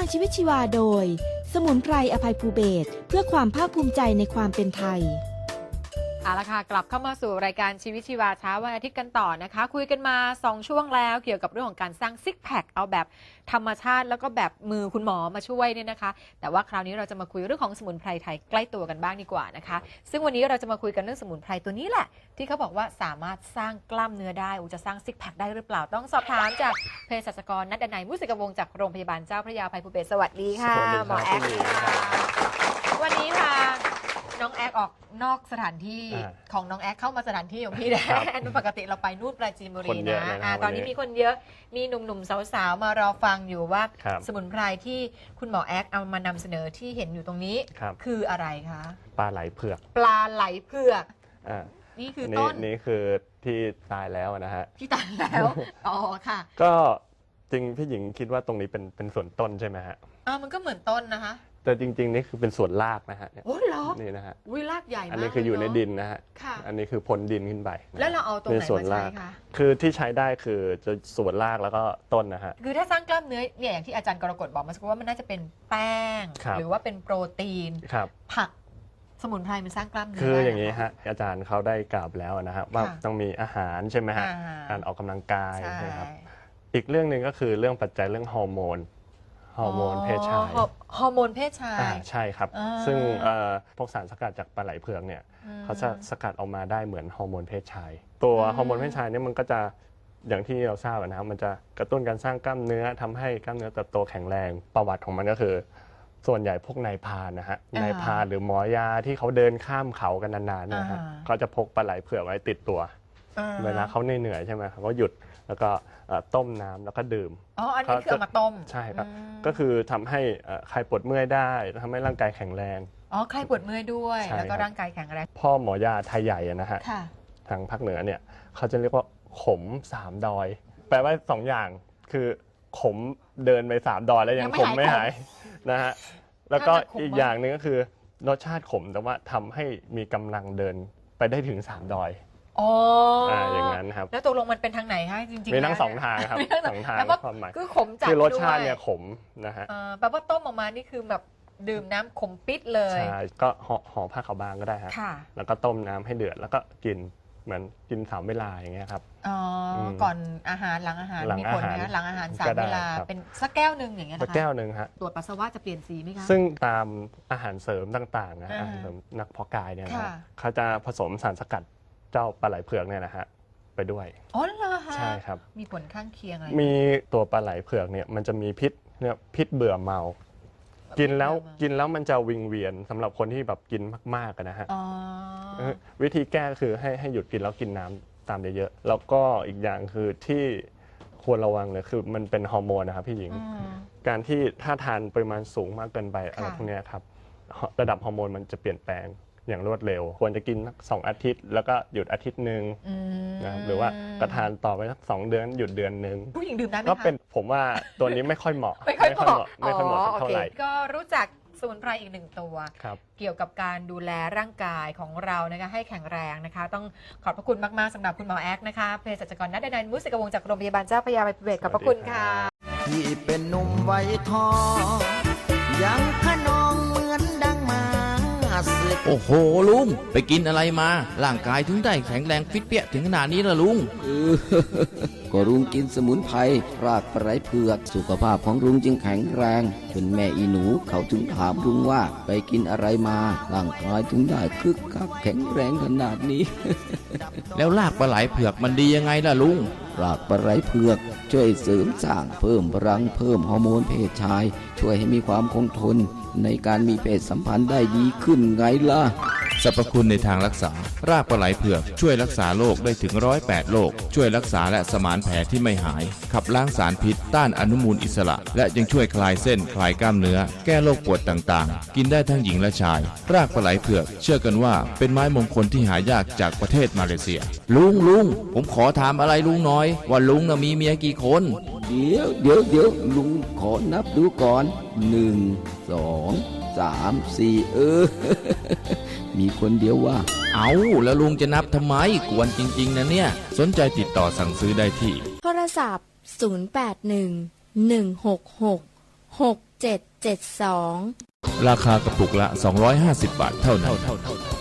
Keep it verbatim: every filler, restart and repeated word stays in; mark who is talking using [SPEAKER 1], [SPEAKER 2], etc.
[SPEAKER 1] างชีวิตชีวาโดยสมุนไพรอภัยภูเบศรเพื่อความภาคภูมิใจในความเป็นไทย
[SPEAKER 2] เอาละค่ะกลับเข้ามาสู่รายการชีวิตชีวาเช้าวันอาทิตย์กันต่อนะคะคุยกันมาสองช่วงแล้วเกี่ยวกับเรื่องของการสร้างซิกแพคเอาแบบธรรมชาติแล้วก็แบบมือคุณหมอมาช่วยเนี่ยนะคะแต่ว่าคราวนี้เราจะมาคุยเรื่องของสมุนไพรไทยใกล้ตัวกันบ้างดีกว่านะคะซึ่งวันนี้เราจะมาคุยกันเรื่องสมุนไพรตัวนี้แหละที่เขาบอกว่าสามารถสร้างกล้ามเนื้อได้จะสร้างซิกแพคได้หรือเปล่าต้องสอบถามจากเภสัชกรณัฐดนัยมุสิกวงศ์จากโรงพยาบาลเจ้าพระยาอภัยภูเบศรสวัสดีค่ะหมอแอ๊กวันนี้ค่ะน้องแอ๊กออกนอกสถานที่ของน้องแอ๊กเข้ามาสถานที่ของพี่แดนปกติเราไปนู่นปราจีนบุรีนะะตอนนี้มีคนเยอะมีหนุ่มๆสาวๆมารอฟังอยู่ว่าสมุนไพรที่คุณหมอแอ๊กเอามานำเสนอที่เห็นอยู่ตรงนี้คืออะไรคะ
[SPEAKER 3] ปลาไหลเผือก
[SPEAKER 2] ปลาไหลเผือกอ่านี่คือต้น
[SPEAKER 3] นี่คือที่ตายแล้วนะฮะ
[SPEAKER 2] ที่ตายแล้วอ๋อค่ะ
[SPEAKER 3] ก็จริงพี่หญิงคิดว่าตรงนี้เป็นเป็นส่วนต้นใช่ไหมฮะ
[SPEAKER 2] อ่ามันก็เหมือนต้นนะคะ
[SPEAKER 3] แต่จริงๆนี่คือเป็นส่วนรากนะฮะ
[SPEAKER 2] โอ้เหรอ
[SPEAKER 3] นี่นะฮะ
[SPEAKER 2] วิรากใหญ่มาก
[SPEAKER 3] อันนี้คืออยู่ในดินนะฮะอันนี้คือพ้นดินขึ้นไป
[SPEAKER 2] แล้วเราเอาตรงไหนมาใช้คะ
[SPEAKER 3] คือที่ใช้ได้คือจะส่วนรากแล้วก็ต้นนะฮะ
[SPEAKER 2] คือถ้าสร้างกล้ามเนื้อเนี่ยอย่างที่อาจารย์กรกฎบอกมาสักว่ามันน่าจะเป็นแป้งหรือว่าเป็นโปรตีนผักสมุนไพรมันสร้างกล้ามเนื้อ
[SPEAKER 3] คืออย่างนี้ฮะอาจารย์เขาได้กล่าวแล้วนะฮะว่าต้องมีอาหารใช่ไหมฮะการออกกำลังกายนะครับอีกเรื่องหนึ่งก็คือเรื่องปัจจัยเรื่องฮอร์โมนฮอร์โมนเพศชาย
[SPEAKER 2] ฮอร์โมนเพศชาย
[SPEAKER 3] ใช่ครับซึ่งพวกสารสกัดจากปลาไหลเผือกเนี่ยเขาจะสกัดออกมาได้เหมือนฮอร์โมนเพศชายตัวฮอร์โมนเพศชายเนี่ยมันก็จะอย่างที่เราทราบนะครับมันจะกระตุ้นการสร้างกล้ามเนื้อทำให้กล้ามเนื้อเติบโตแข็งแรงประวัติของมันก็คือส่วนใหญ่พวกนายพรานนะฮะนายพรานหรือหมอยาที่เขาเดินข้ามเขากันนานๆนะฮะเขาจะพกปลาไหลเผือกไว้ติดตัวเวลาเขาเหนื่อยๆใช่ไหมเขาก็หยุดแล้วก็ต้มน้ำแล้วก็ดื่ม
[SPEAKER 2] อ๋ออันนี้คือเอามาต้ม
[SPEAKER 3] ใช่ครับก็คือทำให้ใครปวดเมื่อยได้ทำให้ร่างกายแข็งแรง
[SPEAKER 2] อ๋อใครปวดเมื่อยด้วยแล้วก็ร่างกายแข็งแรง
[SPEAKER 3] พ่อหมอยาไทยใหญ่นะฮะทางภาคเหนือเนี่ยเขาจะเรียกว่าขมสามดอยแปลว่าสองอย่างคือขมเดินไปสามดอยแล้วยังขมไม่หายนะฮะแล้วก็อีกอย่างหนึ่งก็คือรสชาติขมแต่ว่าทำให้มีกำลังเดินไปได้ถึงสามดอย
[SPEAKER 2] อ๋อ
[SPEAKER 3] อย่างนั้นครับ
[SPEAKER 2] แล้วตกลงมันเป็นทางไหนคะจริงๆ
[SPEAKER 3] มีทั้งสองทางครับสองทางความหมาย
[SPEAKER 2] คือขมจัด
[SPEAKER 3] คือรสชาติเนี่ยขมนะฮะ
[SPEAKER 2] แปลว่าต้มออกมานี่คือแบบดื่มน้ำขมปิดเลย
[SPEAKER 3] ใช่ก็ห่อผ้าขาวบางก็ได้ฮะแล้วก็ต้มน้ำให้เดือดแล้วก็กินเหมือนกินสามเวลาอย่างเงี้ยครับ
[SPEAKER 2] อ๋อก่อนอาหารหลังอาหารมีผลนะหลังอาหารสามเวลาเป็นสักแก้วหนึ่งอย่างเงี้ยนะคะ
[SPEAKER 3] สักแก้วหนึ่งฮะ
[SPEAKER 2] ตรวจปัสสาวะจะเปลี่ยนสีไหมคะ
[SPEAKER 3] ซึ่งตามอาหารเสริมต่างๆนะอาหารเสริมนักเพาะกายเนี่ยนะเขาจะผสมสารสกัดเจ้าปลาไหลเผือกเนี่ยนะฮะไปด้วย
[SPEAKER 2] อ๋อเหรอคะ
[SPEAKER 3] ใช่ครับ
[SPEAKER 2] มีผลข้างเคียงอะไร
[SPEAKER 3] มีตัวปลาไหลเผือกเนี่ยมันจะมีพิษเนี่ยพิษเบื่อเมากินแล้วกินแล้วมันจะวิงเวียนสำหรับคนที่แบบกินมากๆนะฮะวิธีแก้คือให้ให้หยุดกินแล้วกินน้ำตามเยอะๆแล้วก็อีกอย่างคือที่ควรระวังเลยคือมันเป็นฮอร์โมนนะครับพี่หญิงการที่ถ้าทานปริมาณสูงมากเกินไปอะไรพวกนี้ครับระดับฮอร์โมนมันจะเปลี่ยนแปลงอย่างรวดเร็วควรจะกินสองอาทิตย์แล้วก็หยุดอาทิตย์หนึ่งนะหรือว่ากระทานต่อไปสักสองเดือนหยุดเดือนหนึ่ง
[SPEAKER 2] ผู้หญิงดื่มได้ไหมคะ
[SPEAKER 3] ก็เป็นผมว่าตัวนี้ไม่ค่อยเหมาะ
[SPEAKER 2] ไม่ค่อยเหมาะ
[SPEAKER 3] ไม่ค่อยเหมาะเท่าไหร่
[SPEAKER 2] ก็รู้จักสมุนไพรอีกหนึ่งตัวเกี่ยวกับการดูแลร่างกายของเรานะคะให้แข็งแรงนะคะต้องขอบพระคุณมากๆสำหรับคุณหมอแอ๊กนะคะเภสัชกรณัฐดนัยมุสิกวงศ์จากโรงพยาบาลเจ้าพระยาอภัยภูเบศรขอบพระคุณค่ะ
[SPEAKER 4] ที่เป็นหนุ่มไวทองยังขนองเหมือนดังมา
[SPEAKER 5] โอ้โหลุงไปกินอะไรมาร่างกายถึงได้แข็งแรงฟิตเปี้ยถึงขนาดนี้ล่ะลุง
[SPEAKER 4] ก็ลุงกินสมุนไพรรากปลาไหลเผือกสุขภาพของลุงจึงแข็งแรงจนแม่อีหนูเขาถึงถามลุงว่าไปกินอะไรมาร่างกายถึงได้คึกคักแข็งแรงขนาดนี้
[SPEAKER 5] แล้วรากปลาไหลเผือกมันดียังไงล่ะลุง
[SPEAKER 4] รากปลาไหลเผือกช่วยเสริมสร้างเพิ่มพลังเพิ่มฮอร์โมนเพศชายช่วยให้มีความคงทนในการมีเพศสัมพันธ์ได้ดีขึ้นไงล่ะ
[SPEAKER 5] สรรพคุณในทางรักษารากปลาไหลเผือกช่วยรักษาโรคได้ถึงร้อยแปดโรคช่วยรักษาและสมานแผลที่ไม่หายขับล้างสารพิษต้านอนุมูลอิสระและยังช่วยคลายเส้นคลายกล้ามเนื้อแก้โรคปวดต่างๆกินได้ทั้งหญิงและชายรากปลาไหลเผือกเชื่อกันว่าเป็นไม้มงคลที่หายากจากประเทศมาเลเซียลุงลุงผมขอถามอะไรลุงน้อยว่าลุงน่ะมีเมียกี่คน
[SPEAKER 4] เดี๋ยวเดี๋ยวเดี๋ยวลุงขอนับดูก่อนหนึ่งสองสามสี่เออ มีคนเดียวว่า
[SPEAKER 5] เอาแล้วลุงจะนับทำไมกวนจริงๆนะเนี่ยสนใจติดต่อสั่งซื้อได้ที่
[SPEAKER 1] โทรศัพท์ศูนย์ แปด หนึ่ง หนึ่ง หก หก ห
[SPEAKER 6] หกเจ็ดเจ็ดสอง
[SPEAKER 5] ราคากระปุกละ สองร้อยห้าสิบบาทเท่านั้น